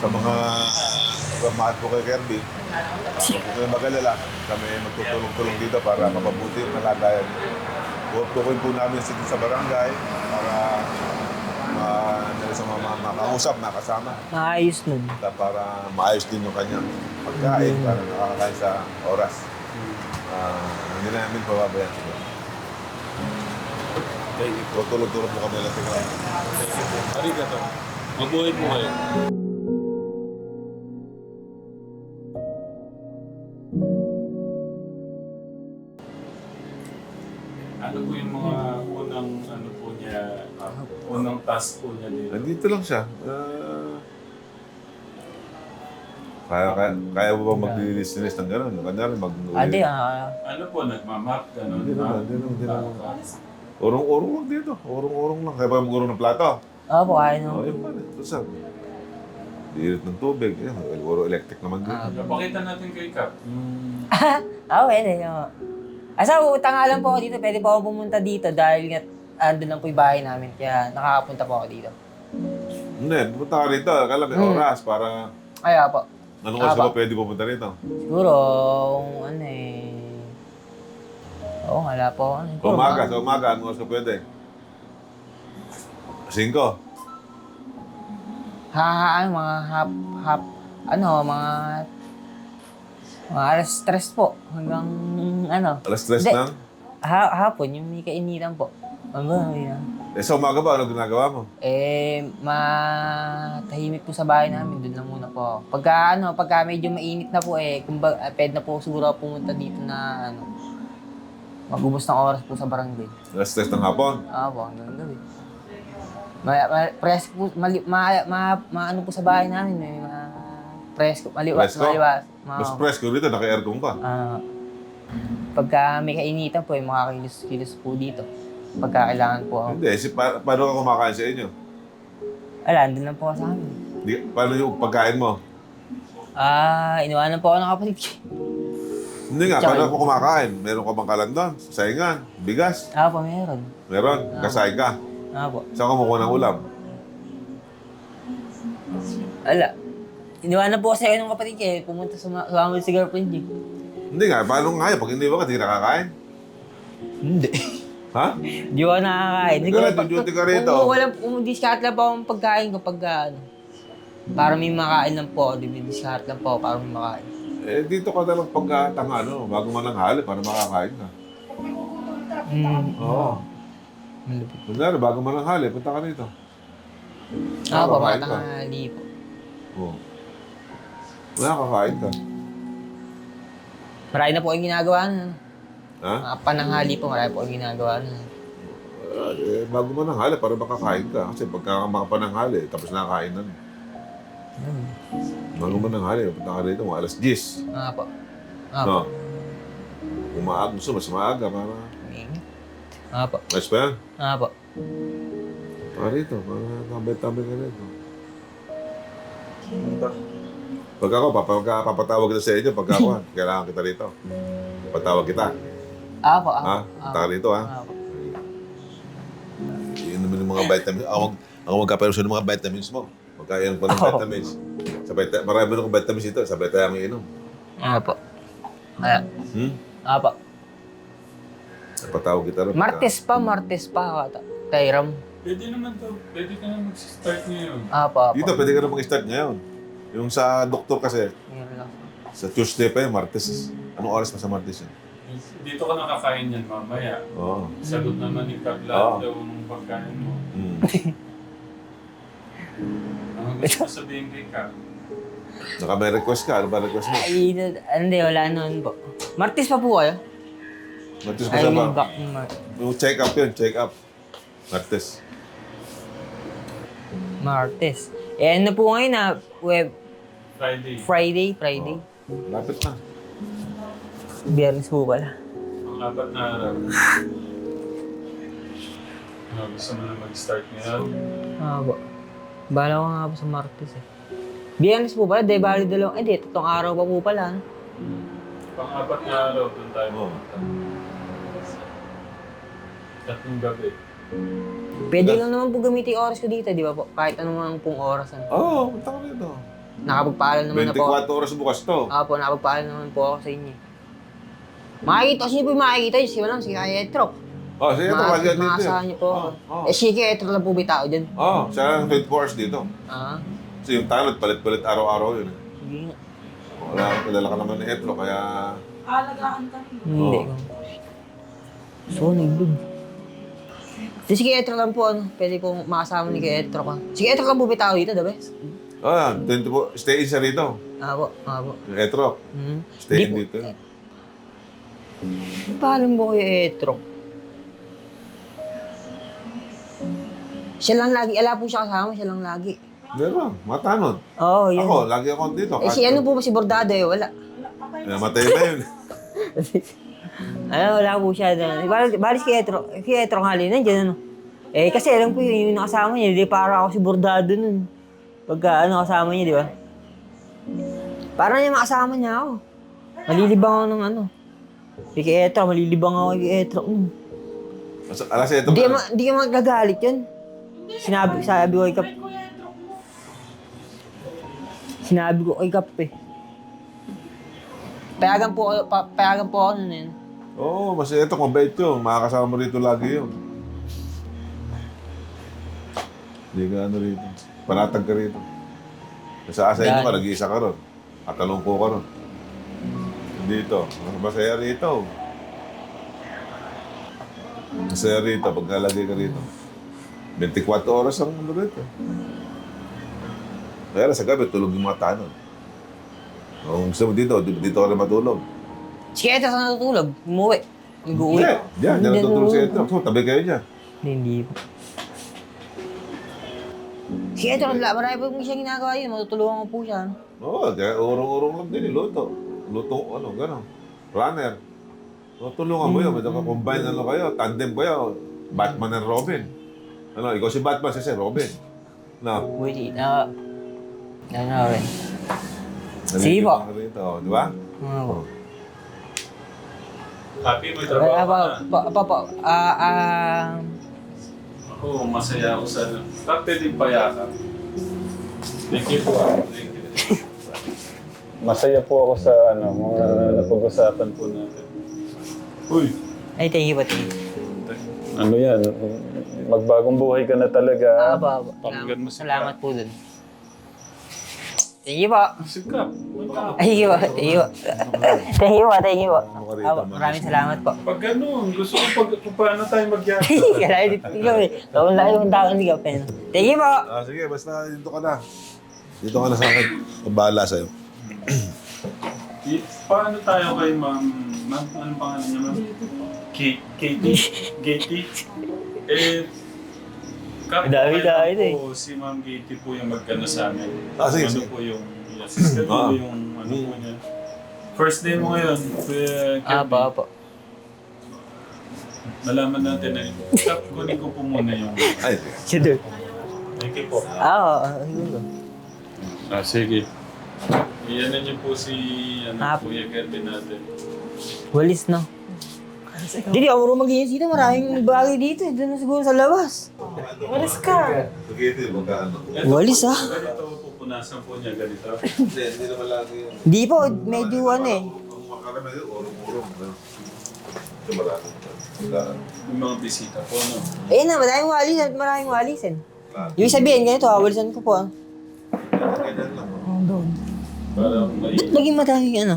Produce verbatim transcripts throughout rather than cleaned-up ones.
Sa mga pagmamahal po kay Kirby, huwag po kayo mag-alala. Kami magtutulong-tulong dito para mapabuti yung kalagayan niyo. Tutukoy po namin dito sa barangay para ma, sa mga makausap, makasama. Maayos nun. Para maayos din yung kanyang pagkain, para nakakakain sa oras. Uh, hindi namin pababayaan sila. Tutulog-tulog po kami lang tingnan. Arigato. Mabuhay po kayo. Ano po yung mga unang ano po niya, uh, unang task po niya dito? Nandito lang siya. Uh, kaya, kaya, kaya mo ba mag-linis ng gano'n? Kanya rin mag Adi, ah. Ano po, nagmamap, gano'n? Hindi naman, hindi naman, hindi naman. Urong-urong lang dito. Urong-urong lang. Kaya ba mag-urong ng plato? Oo po, kaya Oo, nung. yun pa rin. Ito sa dirit ng tubig. Yan, uro electric naman din. Ah. Napakita natin kay Cap. Yung... Ah, pwede. oo. Asa, utang nga lang po ako dito. Pwede po ako pumunta dito dahil nga andun lang po yung bahay namin. Kaya nakakapunta po ako dito. Hindi, pumunta ka rito. Akala may Hmm. oras para... Kaya po. Anong oras Ah, ba pwede pumunta rito? Siguro, kung ano eh... Oo, wala po. Ano, siguro, Umaga, mga- sa umaga, anong oras ka pwede? Cinco. Ha, ha, ano, mga hap, hap, ano, mga... Mga alas stress po. Hanggang, ano. Alas tres Hindi. na. Ha, hapon, yung may kainitan po. Ano, yun. Eh, sa umaga ba, ano ginagawa mo? Eh, matahimik po sa bahay namin. Doon lang muna po ako. Pagka, ano, pagka medyo mainit na po eh, kumbaga, uh, pwede na po siguro ako pumunta dito na, ano, magubos ng oras po sa barangay. Alas tres ng hapon. Ah, po, hanggang gabi. Ma, ma, presko po, mali, ma, ma, ma, ano po sa bahay namin eh, ma, presko, maliwas, Presko? maliwas. Ma, Mas presko rito, naka-aircon ka. Ah, pagka may kainitan po, eh, makakilos-kilos po dito. Pagka kailangan po ako. Hindi, si, pa, paano ka kumakain sa inyo? Wala, andun lang po ako sa amin. Di, paano yung pagkain mo? Ah, iniwanan po ako ng kapatid ko. Hindi nga, Tsaka- paano ako kumakain? Meron ka bang kalandan? Saingan? Bigas? Ah, po, meron. Meron? Kasain ka? Ah, po. Saan ka kumukuha ng ulam? Wala. Iniwanan po kasi ako ng kapatid ko eh. Pumunta sa mga sa amin si girlfriend niya. Hindi nga, paano nga yun? Pag hindi ba ka, di ka nakakain? Hindi. Ha? Di ako nakakain. Ikaw na, duty ka rito. Kung wala, kung discard lang po akong pagkain kapag ano. Para may makain lang po ako. Di ba discard lang po ako para may makain. Eh, dito ka na lang pagkatang ano, bago man ang hali para makakain ka. Hmm. Oo. Malupit. Kunyari, bago man ang hali, punta ka dito. Ah, po, Makakain mga ka. tanghali po. Oo. Wala, kakain ka. Marami na po yung ginagawa na. Ha? Mga pananghali po, marami po yung ginagawa na. Uh, eh, bago man ang hali, para makakain ka. Kasi pagka makapananghali, tapos nakakain na. Hmm. Bago man ang hali, punta ka rito, mga alas diyes. Ah, po. Ah, po. No? Kung maaga, gusto, mas maaga para... Mainit. Ah, po. Mas pa yan? Ah, po. Para rito, para tambay-tambay ka rito. Pag ako, papag, papatawag kita sa inyo, pagka ako, kailangan kita rito. Patawag kita. Ah, po. Ah, Ha? po. Punta ka rito, ha? Ah, po. Yun naman yung mga vitamins. Ako, ako magkaperusyon ng mga vitamins mo. Magkainom ko ng Oh. vitamins. Sabay tayo, marami ng vitamins ito. Sabay tayo ang inom. Ah, po. Ah, Hmm? ah, po. Patawag kita rin. Martes pa, Martes pa. ata. Tayram. Pwede naman to. Pwede ka na mag-start ngayon. Ah, po. ah, po. Dito, pwede ka na mag-start ngayon. Yung sa doktor kasi, Meron lang. sa Tuesday pa yun, Martes. Anong oras pa sa Martes yun? Dito ka nakakain yan mamaya. Oo. Sagot naman ni Cap Oo. lahat daw ng pagkain mo. Hmm. Ano gusto mo sabihin kay Cap? Naka may request ka. Ano ba request mo? Ay, hindi, wala noon po. Martes pa po kayo? Martes ko Ay, sa yung ba? back ng Mar- Yung check up yun, check up. Martes. Martes. Eh, ano po ngayon na web Friday. Friday, Friday. Oh. Lapit na. Biyernes po pala. Ang apat na araw. Ano, gusto mo na mag-start ngayon? Ah, po. Bala ko nga po sa Martes eh. Biyernes po pala, di bali dalawang, eh di, tatlong araw pa po pala. No? Pang-apat na araw, doon tayo Oo. pupunta. Tatlong gabi. Pwede lang naman po gamitin yung oras ko dito, di ba po? Kahit anong mga pong oras. Ano. Oo, oh, punta ka rito. nakapagpaalam naman na po. twenty-four oras bukas to. Opo, nakapagpaalam naman po ako sa inyo. Makikita, sino po yung makikita? Si Walang, si Kaya Etro. Oh, sige, ito, Mga- wag yan dito. Maasahan niyo po ako. Oh, oh. Eh, si Kaya Etro lang po may tao dyan. Oh, siya lang twenty-four hours dito. Ah, Kasi yung tanod, palit-palit araw-araw yun. eh. sige nga. Wala, kilala ka naman ni Etro, kaya... Alagaan kami. Hindi Oo. ko. So, nagbig. Di si Kaya Etro lang po, ano, pwede pong makasama ni Kaya Etro ka. Si Kaya Etro lang po may tao dito, diba? Oh, yan, twenty-four, stay in siya rito. Ah, po, ah, po. Yung Etro, Hmm. stay Di in po. dito. Paalam mo kay Etro. Siya lang lagi, ala po siya kasama, siya lang lagi. Meron, matanod. Oo, oh, yun. Ako, lagi ako dito. Eh, si ano po ba si Bordado eh, wala. Namatay na yun. Ano, wala po siya doon. Bal- Balis kay Etro, kay Etro nga rin, nandiyan ano. Eh, kasi alam ko yun, yung nakasama niya, di para ako si Bordado nun. Pagka ano kasama niya, di ba? Para niya makasama niya ako. Malilibang ako ng ano. Di kay Etro, malilibang ako kay Etro. Mm. Alas ito Di ka, ma- di ka magagalit yun. Sinabi, sabi ko kay Kap. Sinabi ko kay Kap eh. Payagan po, ako- pa, payagan po ako nun eh. Oo, oh, mas ito, mabait yun. Makakasama mo rito lagi yun. Hindi ka ano rito. Panatag ka rito. Sa asa inyo ka, Dahil- nag-iisa ka ron. At talungko ka ron. Dito, mas masaya rito. Masaya rito, pag nalagay ka rito. twenty-four oras ang ano rito. Kaya lang sa gabi, tulog yung mga tanong. Kung gusto mo dito, dito ka rin matulog. Si Etro saan natutulog? Umuwi. Nag-uwi. Hindi, diyan, diyan Hindi natutulog si natutulog. Etro. So, tabi kayo dyan. Hindi po. Si Etro, la- marami po siya ginagawa yun. Matutulungan ko po siya. ano. Oo, kaya urong-urong lang din, eh, luto. Luto, ano, gano'n. Runner. Tutulungan mo yun, medyo ka-combine ano kayo, tandem kayo. Batman and Robin. Ano, ikaw si Batman, siya si Robin. No. Wait, na... Ano rin? Sige po. Nalilibang ka rito, di ba? Ano po? Happy mo Ah, trabaho pa, ka na. pa, pa, pa, ah, ah, Ako, masaya ako sa... Kapte din payakan. Thank you po. Thank you. Masaya po ako sa ano, mga napag-usapan po natin. Uy! ay, thank you po, thank you. Ano yan? Magbagong buhay ka na Ah, talaga. ba, ba. Pakinggan mo si Salamat po dun. Thank you po. Sikap. Thank you po, thank you po. Thank you po, thank you po. Ano ka rito, Ah, man? maraming salamat po. Pag ganun, gusto ko pag, kung paano tayo magyari. Kaya dito ikaw eh. Kung laki yung tao hindi ka pen. Thank you po. Ah, sige, basta dito ka na. Dito ka na sa akin. Mabahala sa'yo. I- Paano tayo kay ma'am? Ma'am, anong pangalan niya ma'am? K- Katie? Katie? Eh, Dami tayo eh. po si Ma'am Katie po yung magkano sa amin. Ah, sige, Ano sige. po yung i-assist ko Ah. yung ano po niya. First day mo ngayon, Kuya Ah, Kirby. pa, pa. Nalaman natin na yun. Kap, kunin ko po muna yung... Ay, Sige. Thank you po. Ah, oo, ah, siguro. Ah, sige. Iyan niyo po si ano, Ah. Kuya Kirby natin. Walis na. Hindi, ako marunong maglinis dito. Maraming bagay dito. eh. Doon na siguro sa labas. Walis ka. sige, ito, magkaano. Ito Walis, po, ah. Ganito pupunasan po niya, ganito. Hindi, hindi naman lagi yun. Hindi po, medyo ano eh. Kung makarami yun, urong-urong. ano. Ito marami. Wala. Yung mga bisita po, no? Eh na, maraming walis at maraming walisin. Yung sabihin, ganito, ah, walisan ko po. ah. Ganyan lang. Para may... Ba't naging madaming ano?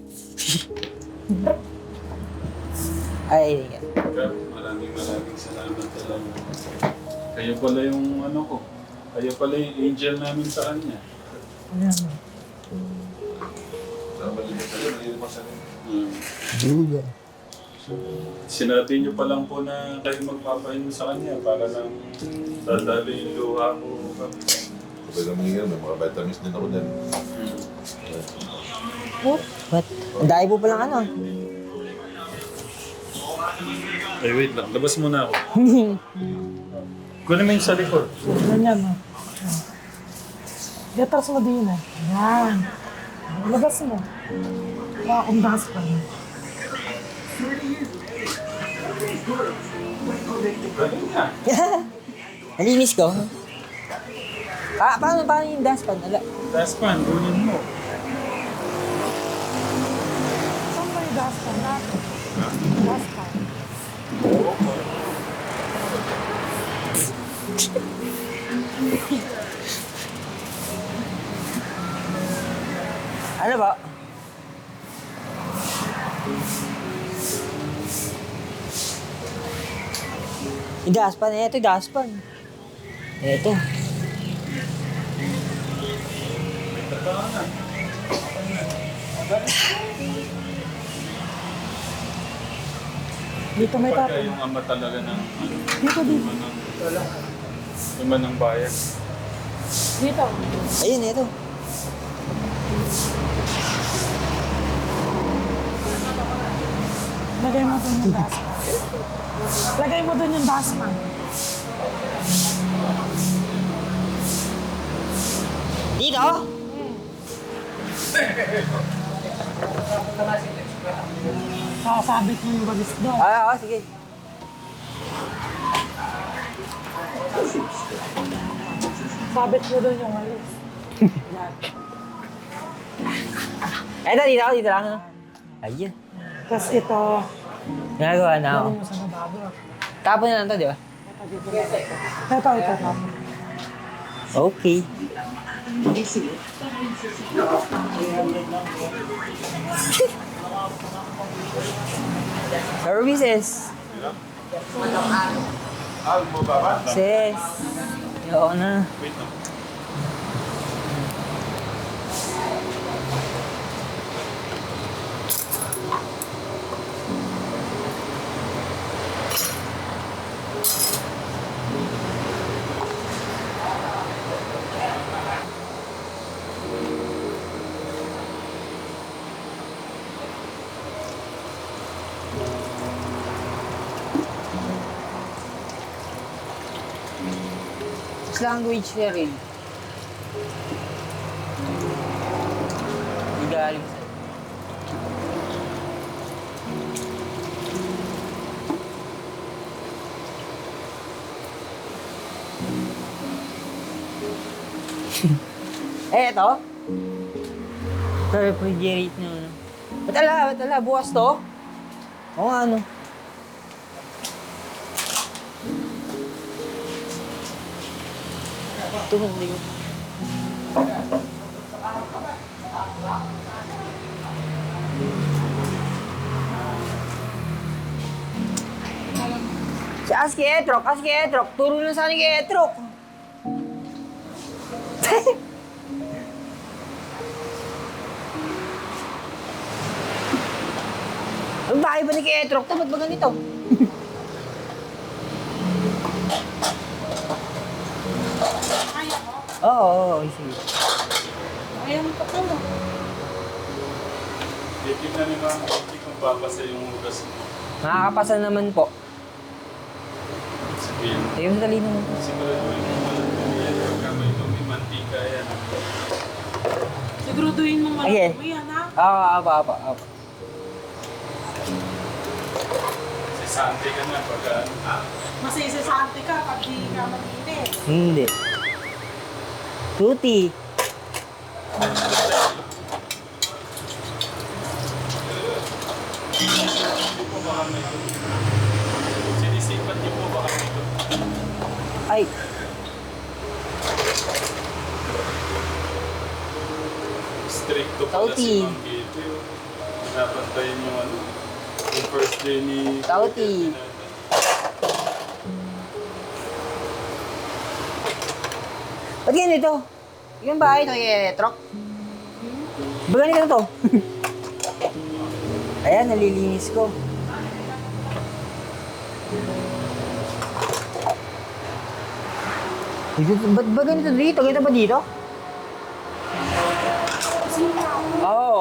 Ay, hindi nga. Kap, maraming maraming salamat talaga. Kayo pala yung ano ko. Kayo pala yung angel namin sa kanya. Namalimutan sa'yo, nalilimutan sa'yo. Hmm. Duga. Sinabi niyo pa lang po na kayo magpapahingo sa kanya para lang dadali yung luha ko. Kap. Kapag naman yun, may mga vitamins din ako din. Hmm. What? What? Ang dahil po palang ano. Ay, wait lang. Labas muna ako. Kunin mo yung sa likod. Ganyan mo. Gatras mo din eh. Yan. Labas mo. Wala akong das pa. Galing nga. Nalinis ko. Ah, paano, paano yung dustpan? Ala. Daspan, gunin mo. Saan ba yung dustpan natin? Dustpan. Ano ba? Yung daspan, eh, ito yung daspan. Ito. Dito may Pagka tapon. yung ama talaga ng ano, Dito, dito. ima ng, ima ng bayan. Dito. Ayun, ito. Lagay mo dun yung dustpan. Lagay mo dun yung dustpan. Dito? Kakasabit mo yung bagis doon. Ah, ah, sige. Sabit mo dun yung walis. Yan. Ito, dito, dito lang. Ano? Ayun. Tapos ito, Nagawa na ako. lagay mo sa nababo. Tapon na lang to, di ba? Ito, dito. Ito, ito, ito. Okay. Services. Ah, mo ba ba? Sis. Oo na. Wait lang. Language na rin. Hindi galing sa... eh, ito? Ito, refrigerate nyo. Ano? Ba't ala? Ba't ala? Bukas to? Oo nga, ano? Ito, hindi ko. Si Aski Etrok, Aski Etrok, turo na sana kay Etrok. Ang bahay ba ni kay Etrok? Ba't ba ganito? Kaya mo? Oo, oo, oo, sige. Kaya mo pa ko. Titignan ni Ma'am, hindi kung papasa yung hugas mo. Nakakapasa naman po. Sabihin, Ayun, dali naman po. siguraduhin mo walang tumiyan. Pagka may tumi, mantika yan. Siguraduhin mo Okay. malaki mo yan, ha? Oo, apa, apa, apa. Si Sante ka na pagka ano. Masisisante ka pag di ka mag-init. Hindi. Tuti. Hindi po baka may tumi. Sinisipat niyo po baka may tumi. Ay, Stricto pala Tauti. si Ma'am Gito. Napantayin yung ano. Yung first day ni... Tauti. ba't ganito? Yung bahay ito kay Etrok? Ba ganito to? Ayan, nalilinis ko. Dito, ba't ba ganito dito? Ganito ba dito? Oo.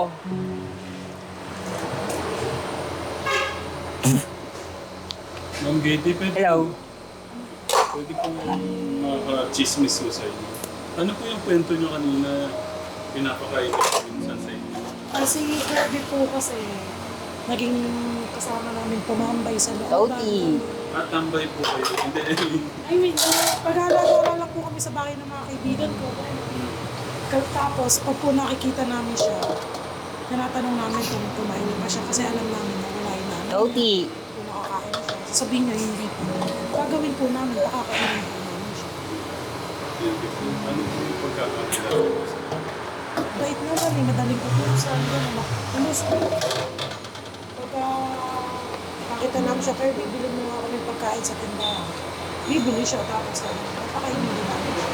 Ma'am Gito, pwede, Hello. pwede pong makaka-chismis ko sa inyo. Ano po yung kwento nyo kanina pinapakain ko minsan sa inyo? Kasi Kirby po kasi, naging kasama namin tumambay sa loob. Tauti. At tambay po kayo. Hindi, I mean, I mean, uh, pag-alala lang po kami sa bahay ng mga kaibigan ko. Tapos, pag po nakikita namin siya, tinatanong namin kung kumain na ba siya kasi alam namin na kumain namin. Oti. Kung nakakain na siya. Sabihin niya, hindi po. Gagawin po namin, pakakainin po namin siya. Hindi po. Ano po yung pagkakakilala mo sa Bait naman eh, madaling utusan. Gano'n, kumusta? Pagka nakita namin siya, Kirby, bilhin mo nga kami pagkain sa tindahan. Bibili siya, tapos na, papakainin din namin siya.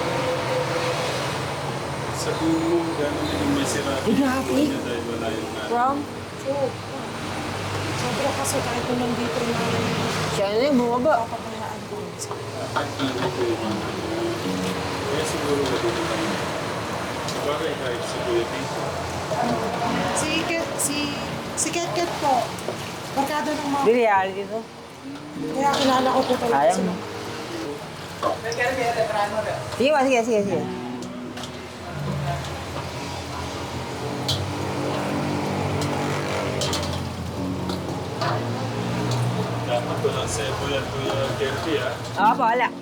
Sabihin mo, gano'n yung may sira Ay, grabe. niya dahil wala yung nanay. From? So, ah, sobra kasi kahit kung nandito na Siya na yung bumaba. papabayaan ko. Hindi po yung ano. Kaya siguro na dito kami. Sabagay kahit si Kuya Tito. Si Ket, si, si Ket Ket po, barkada ng mga, Di reality to. kaya kilala ko po talaga Sayang. sila. Sige ba, sige, sige, sige. Dapat ko lang sa Kuya Kuya Kirby ah. Oo po, wala.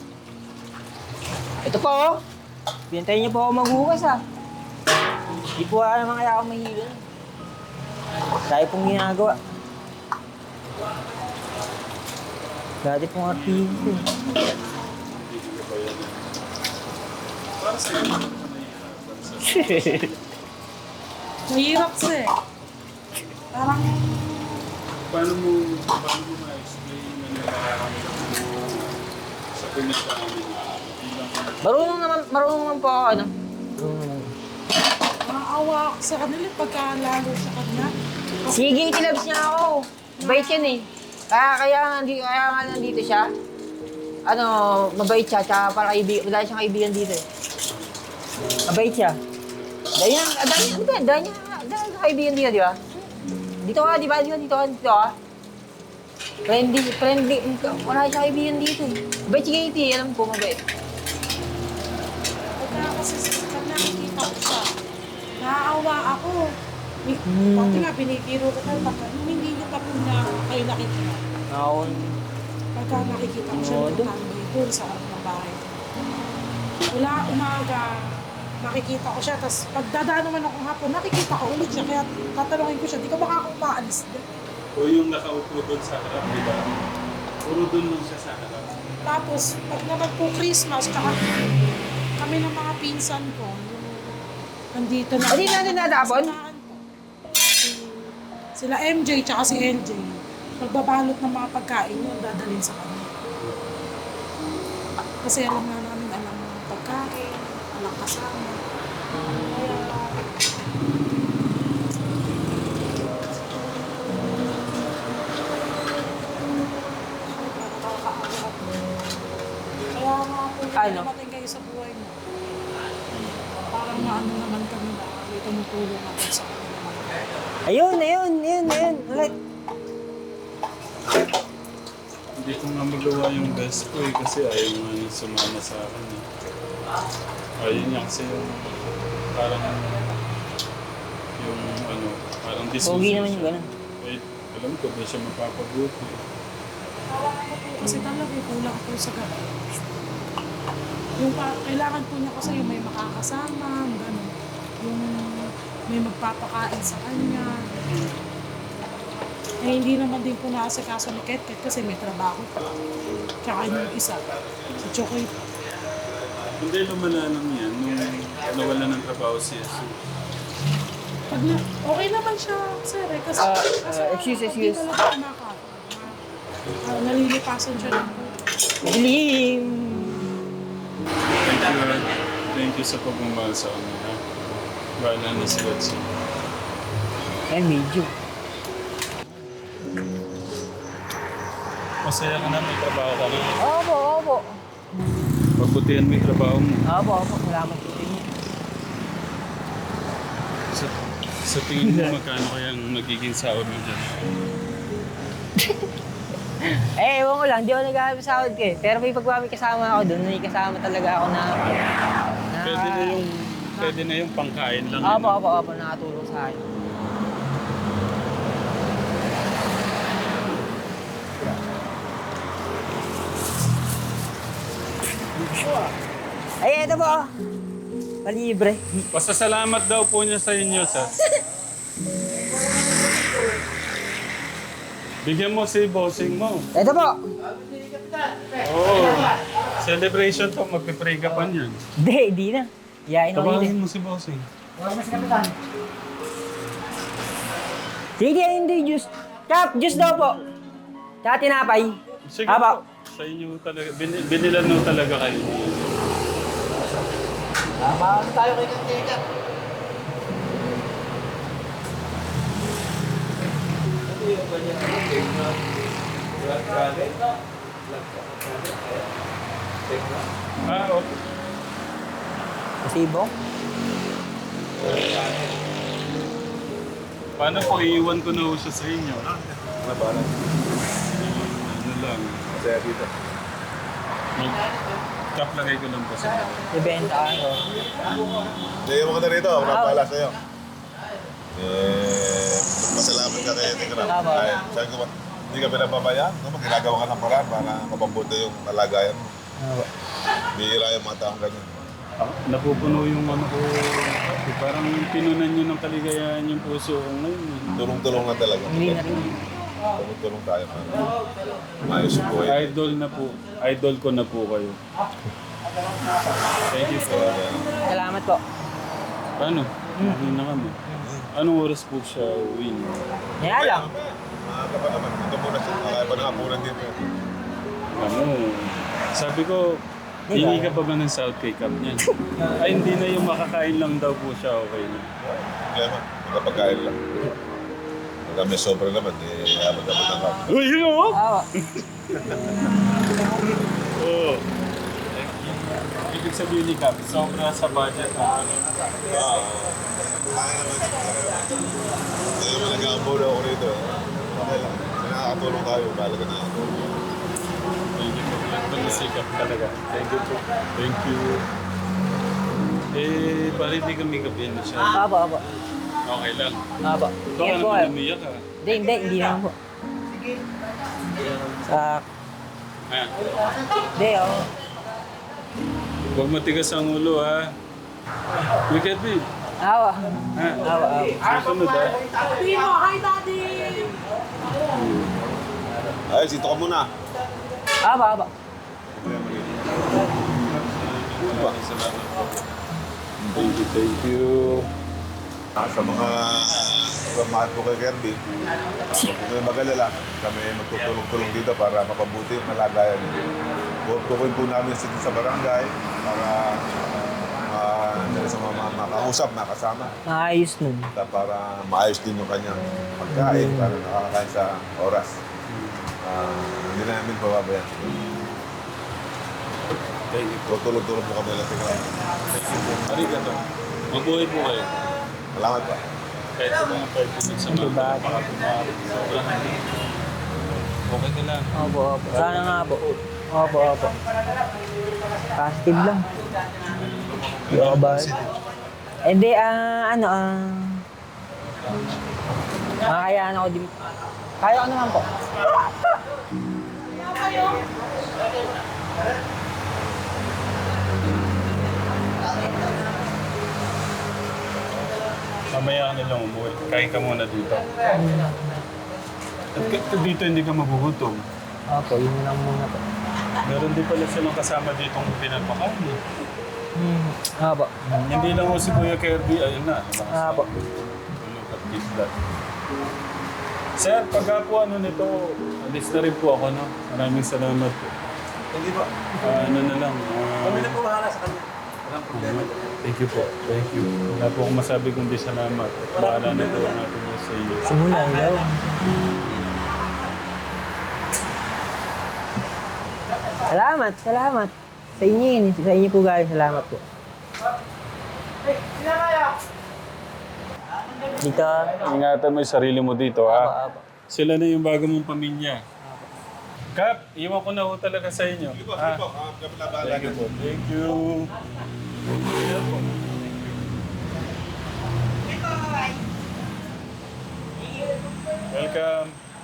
Ito po, oh. Pintayin niyo po ako maghugas, ah. Di po ah, naman kaya ako mahilo. Dahil pong ginagawa. Dati pong artista. eh. Hindi ko ba yan ah. Para sa iyo, nahihirapan sa Mahirap siya eh. Parang, Paano mo, paano mo ma-explain na nararamdaman mo sa pinagdaanan niya? Bilang Marunong naman, marunong naman po ako, ano? Marunong naman. maawa ako sa kanila pagka lalo sa kanya. Sige, itilabs niya ako. Mabait yan eh. Kaya, kaya, nga nandito, kaya nga nandito siya. Ano, mabait siya, tsaka para kaibigan, wala siyang kaibigan dito eh. Mabait siya. Dahil niya, ah, dahil niya, di ba? Dahil niya, dahil niya kaibigan dito, di ba? Dito ka, di ba? Dito, dito ka, dito ka. Friendly, friendly, wala siyang kaibigan dito eh. Mabait si Katie, alam ko, mabait. Pagka kasi pag nakikita ko siya, naaawa ako. Ni- Hmm. Pati nga, binibiro ko tayo, pagka hindi niyo pa po na kayo nakikita. Ako, Pagka nakikita ko siya, Oo, doon. nagtatambay doon sa harap ng bahay. Wala umaga, nakikita ko siya, tapos pagdadaan naman ako hapon, nakikita ko ulit siya, kaya tatanungin ko siya, di ka baka akong maalis din. o yung nakaupo doon sa harap, di ba? Puro doon lang siya sa harap. Tapos, pag naman po Christmas, tsaka kami ng mga pinsan ko, yung nandito na. Hindi natin natapon? Sinahan ko. Si- Sila M J tsaka si L J. Pagbabalot ng mga pagkain yun, dadalhin sa kanya. Kasi alam nga namin, alam ng pagkain, alam kasama. Kaya, nakakaawa. Kaya nga po, Ano? dumating kayo sa buhay mo. Parang maano naman kami na may tumutulong ako sa kanila. ayun, ayun, ayun, ayun. Ulit. Hindi ko nga magawa yung best ko eh, kasi ayaw nga niya sumama sa akin eh. Ayun niya kasi yung parang yung ano, parang Pogi disusunod naman yung siya. ganun. Eh, alam ko, di siya mapapabuti. Kasi talaga kulang po sa gano'n. Yung pa, kailangan po niya kasi yung may makakasama, gano'n. Yung may magpapakain sa kanya. Eh, hindi naman din po naasikaso ni Ket Ket kasi may trabaho pa. Tsaka yung isa, si Chokoy. Hindi lumala lang yan nung nawala ng trabaho si Jesus. Pag na, okay naman siya, sir, eh, kasi, Ah, kasi ah, excuse, pag excuse. di talaga kumakain, ah, nalilipasan siya ng Dilim. Thank you, Lord. Thank you sa pagmamahal sa amin. Ha? Bahala na si God sa Ay, medyo. Masaya ka na, may trabaho ka na. Opo, opo. Pagbutihan mo yung trabaho mo. Opo, opo. Salamat po sa inyo. Sa, sa tingin mo, magkano kayang magiging sahod mo dyan? Eh, ewan ko lang. Di ako nag-ahabis sahod ko eh. Pero may pag may kasama ako doon, may kasama talaga ako na... na Pwede na yung, pwede na yung pangkain lang. Opo, yun. opo, opo. Nakatulong sa akin. Ay, ito po. Palibre. Pasasalamat daw po niya sa inyo, sir. Bigyan mo si bossing mo. Ito po. Oo. Celebration to, magpipray ka pa niyan. Hindi, hindi na. Yain ako Tawagin yun. mo si bossing. Sige, ano yung juice? Kap, juice daw po. Tsaka tinapay. Sige Apo. po. Sa inyo talaga, bin, binilan mo talaga kayo. Tama tayo kay Kanteka. Ah, okay. Pasibo? Paano po, iiwan ko na ho siya sa inyo? Ano ba? Ano? Ano lang. Masaya dito. Mag lagay ko lang po sa Ibenta ako. Hindi, mo ka na rito. Ako na pala sa'yo. Eh, masalamat ka kay Tikram. Tama. Ay, sabi ko ba, hindi ka pinapabayaan. No? Ginagawa ka ng paraan para mapabuti yung kalagayan mo. Bihira yung mga taong ganyan. Ah, napupuno yung ano ko. Parang pinunan nyo ng kaligayahan yung puso ko ngayon. eh. Tulong-tulong na talaga. Hindi na rin. Tulong-tulong tayo para maayos yung buhay. Idol na po. Idol ko na po kayo. Thank you po. Salamat po. Paano? Hindi na kami. Anong oras po siya uwi? Kaya lang. Maaga pa naman. Ito muna siya. Kaya pa nakapunan dito. Ano? Sabi ko, Di ba? hingi ka pa ba ng South K Cup niyan? Ay, hindi na yung makakain lang daw po siya. Okay na. Problema. Magkapagkain lang. Pagka may sobra naman, eh, abot-abot ang kap. Uy, yun o! Awa. Oo. Ibig sabihin ni Cap, sobra sa budget ng ano. Ah, kaya naman. Hindi naman nag-aambaw na ako rito. eh. Okay lang. Kasi nakakatulong tayo. Bala ka na ako. Thank you po. Pag-isikap talaga. Thank you po. Thank you. Eh, parang hindi kami gabihan na siya. Apo, apo. Okay lang. Apo. Baka Ingat po naman kayo. umiyak ka. Hindi, hindi. Hindi naman po. Sa... Ha? Hindi, ako. Huwag matigas ang ulo, ha? Look at me. Awa. Ha? Awa, awa. Susunod, ha? Timo, hi daddy! Ay, sito ka muna. Awa, awa. Maraming salamat po. Thank you, thank you. Ah, sa mga mahal ko kay Kirby, huwag ko kayo mag-alala. Kami magtutulong-tulong dito para mapabuti yung kalagayan niyo. Tutukoy po namin sa sa barangay para uh, sa mga mga makausap, makasama. Maayos nun. Para maayos din yung kanyang pagkain, para nakakakain sa oras. Ah, hindi namin pababayan. Thank you. Tutulong-tulong po kami lang tingnan. Thank you po. Arigato. Mabuhay po kayo. Salamat pa. Kahit sa mga five minutes sa mga Diba? baka pumaharap. Sobrang okay ka lang. Opo, opo. Sana nga po. Opo, opo. Positive lang. Hindi ako ba? Hindi, ah, ano, ah... makakayaan ako din. Kaya ko naman po. Mamaya ka nilang umuwi. Kain ka muna dito. At k- dito hindi ka magugutom. Opo, yun lang muna po. Meron din pala silang kasama ditong pinapakain. eh. Hmm. Opo. Hindi lang mo si Kuya Kirby, ayun na. Opo. Look at this blood. Sir, pagka po ano nito, alis na rin po ako, no? Maraming salamat po. Hindi ba? Ah, ano na lang. ah, Kami na po bahala sa kanya. Walang problema. Thank you po. Thank you. Wala po akong masabi kundi salamat. Bahala na po natin yun sa iyo. Simula, ilaw. Salamat, salamat. Sa inyo yun. Sa inyo po guys, salamat po. Dito. Ingatan mo yung sarili mo dito, Apo, ha? apo. Sila na yung bago mong pamilya. Kap, iwan ko na ho talaga sa inyo. Sige po, Ah, sige po. Ah, kami na bahala. Thank you po. Thank you. Welcome.